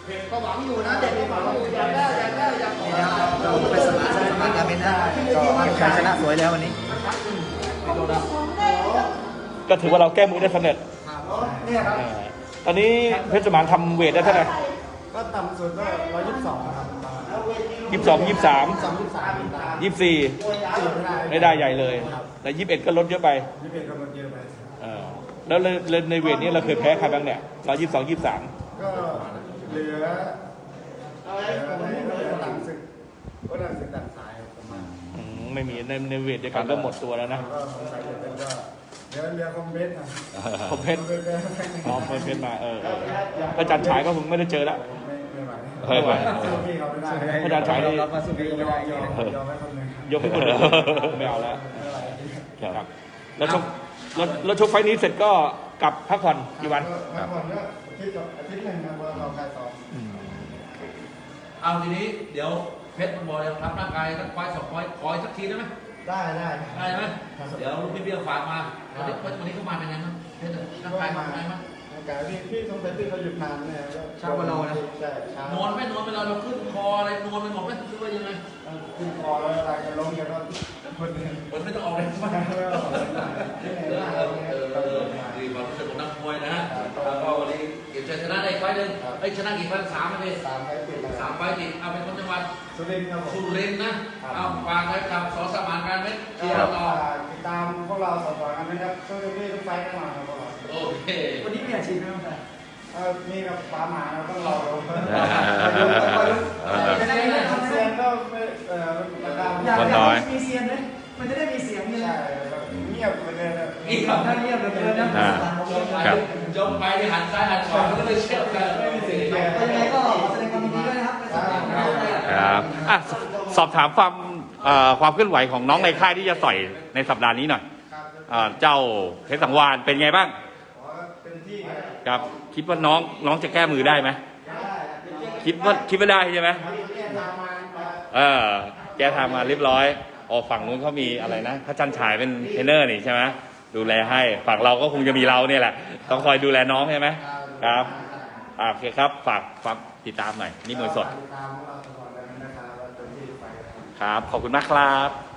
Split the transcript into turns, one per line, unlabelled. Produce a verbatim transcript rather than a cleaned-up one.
ก็หวังอยู่นะเด็กก็หวังอยู่อยากได้อยากได้อยากขอ
เราไปสมัครสมัครการเป็นนะก็เก็บชัยชนะสวยแล้ววันนี้
ก็ถือว่าเราแก้มือได้สำเร็จตอนนี้เพชรสมานทำเวทได้เท่าไหร่
ก็ต่ำสุดก็ร้อยยี่สิบสองครับ
ยี่สิบสองยี่สิบสามยี่สิบสี่ไม่ได้ใหญ่เลยแต่ยี่สิบเอ็ดก็ลดเยอะไป
ยี่สิบเอ็ดก็ลดเยอะไป
แล้วในเวทนี้เราเคยแพ้ใครบ้างเนี่ยร้อยยี่สิบสองยี่สิบสาม
ก็เหลือหลังศึกก็หลังศึกดันสายประมาณ
ไม่มีในในเวทเดียวกันก็หมดตัวแล้วนะ
เดี๋ยวเรือคอมเพชรนะ
คอมเพชรอ๋อคอมเพชรมาเอออาจารย์ฉายก็คงไม่ได้เจอแล้ว
ไม่ไหว
อาจารย์ฉายนี่
รับมาสุดที่ไม่ได้ยอม
ยกให้คนไม่เอาแล้วครับแล้วชกแล้วชกไฟนี้เสร็จก็กลับพักผ่อนกี่วัน
พักผ่อนก็อาทิตย์อาทิตย์หนึ่งนะเราคลายซ้อม
เอาทีนี้เดี๋ยวเพชรมันบอกเลยทำร่างกายสักควายสองควายคอยสักทีได้ไหม
ได้ได้
ได้ไหมเดี๋ยวลูกพี่เบี้ยฝากมาวันนี้วันนี้เขามาเป็นไงมั้งเพชรร่างกายมาเป็นไงมั้ง
ร่างกายพี่พี่ต้องเป็นที่เขาหยุดนานเนี่ย
ช้ากว่าเรานะนอนไม่นอนเวลาเราขึ้นคออะไรนอนไปหมดไหมหรือว่ายังไง
ขึ้นคอแล้วอะไรจะล้มกันก็
มันไม่ต้องออกเลยมากดีความรู้สึกของนักมวยนะฮะแล้วก็วันนี้เก็บชัยชนะได้ไฟหนึ่งไอ้ชนะกี่ไฟสามเลย
สามไฟติด
สามไฟติดเอาเป็นคนจังหวัด
สุรินทร์ครับ
สุรินทร์นะเอาฝากไว้กับสอสมานการเม็ดเชียร์ต่อ
ติดตามพวกเราสอสกันนะครับช่วยพี่ทุกไฟแน่นอนครับพวกเรา
โอเค
วันนี้มีอาชีพไหมครับ
มีกับฟ้าหมาเราต้องรอเรา
จะได้เล่นคอนเสิร์ตก็ไม่เอ่ออยากอยากมีเสียงเลยมันจะได้มีเสียงเลย
เงียบไปเลยนะ
เงียบ
ถ้าเงียบเลย
นะครับจมไปหันซ้ายหันขวาก็เลยเชื่อกันไม่มีเสียง
ยังไงก็แสดงความยินดีด้วยนะครับ
ครับอ่ะสอบถามความความเคลื่อนไหวของน้องในค่ายที่จะต่อยในสัปดาห์นี้หน่อยเจ้าเพชรสังวาลเป็นไงบ้างครับคิดว่าน้องน้องจะแก้มือได้ไหมคิดว่าคิดว่าได้ใช่ไหมเออแก้ทางมาเรียบร้อยอ๋อฝั่งนู้นเขามีอะไรนะพระจันทร์ฉายเป็นเทรนเนอร์นี่ใช่ไหมดูแลให้ฝั่งเราก็คงจะมีเราเนี่ยแหละต้องคอยดูแลน้องใช่ไหมครับโอเคครับฝากฝากติดตามหน่อยนี่มวยสดครับขอบคุณมากครับ